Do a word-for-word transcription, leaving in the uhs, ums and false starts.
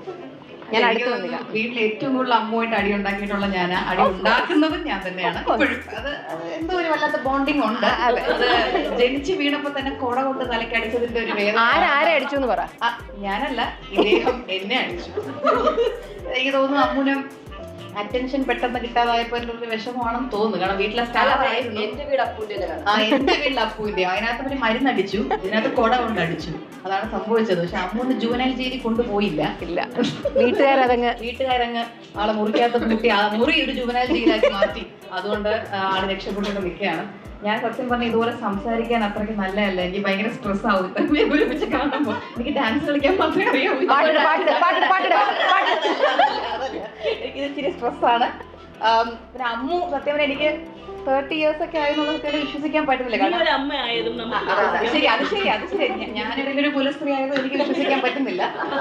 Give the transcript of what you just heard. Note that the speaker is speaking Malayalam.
ഞാൻ അടുത്ത് വന്നില്ല. വീട്ടിൽ ഏറ്റവും കൂടുതൽ അമ്മുമായിട്ട് അടി ഉണ്ടാക്കിയിട്ടുള്ള ഞാൻ, അടി ഉണ്ടാക്കുന്നതും ഞാൻ തന്നെയാണ്. അത് എന്തോ ഒരു വല്ലാത്ത ബോണ്ടിങ് ഉണ്ട്. അത് ജനിച്ച് വീണപ്പോ തന്നെ കൊട കൊണ്ട് തലക്കടിച്ചതിന്റെ ഒരു വേദന. ആരെ അടിച്ചു എന്ന് പറ. ഞാനല്ല, ഇദ്ദേഹം എന്നെ അടിച്ചു. എനിക്ക് തോന്നുന്നു അമ്മുനും അറ്റൻഷൻ പെട്ടെന്ന് കിട്ടാതായപ്പോ ഒരു വിഷമമാണെന്ന് തോന്നുന്നു. കാരണം വീട്ടിലെ സ്ഥലമായിരുന്നു. എന്റെ വീട് അപ്പൂന്റെ ആ എന്റെ വീട്ടിൽ അപ്പൂന്റെ അതിനകത്ത് അവര് മരുന്നടിച്ചു, ഇതിനകത്ത് കൊട കൊണ്ട് അടിച്ചു. അതാണ് സംഭവിച്ചത്. പക്ഷെ അമ്മൂന്ന് ജുവനൈൽ ജയിലിൽ കൊണ്ടുപോയില്ല. ഇല്ല, വീട്ടുകാരതങ്ങ് വീട്ടുകാരങ്ങ് ആളെ മുറിക്കകത്ത് കൂട്ടി ആ മുറി ഒരു ജുവനൈൽ ജയിലാക്കി മാറ്റി. അതുകൊണ്ട് ആള് രക്ഷപ്പെട്ടുകൊണ്ട് നിൽക്കുകയാണ്. ഞാൻ സത്യം പറഞ്ഞ ഇതുപോലെ സംസാരിക്കാൻ അത്രയ്ക്ക് നല്ലതല്ല. എനിക്ക് ഭയങ്കര സ്ട്രെസ് ആവും ഒരുമിച്ച് കാണുമ്പോ. എനിക്ക് ഡാൻസ് കളിക്കാൻ മാത്രമേ അറിയാവൂ. എനിക്ക് ഇച്ചിരി സ്ട്രെസ്സാണ്. പിന്നെ അമ്മു സത്യം പറഞ്ഞാൽ എനിക്ക് തേർട്ടി ഇയേഴ്സ് ഒക്കെ ആയെന്നുള്ളത് വിശ്വസിക്കാൻ പറ്റുന്നില്ല. കാരണം ശരി അത് ശരി അത് ശരി ഞാനിടയിൽ ഒരു കുലസ്ത്രീ ആയത് എനിക്ക് വിശ്വസിക്കാൻ പറ്റുന്നില്ല.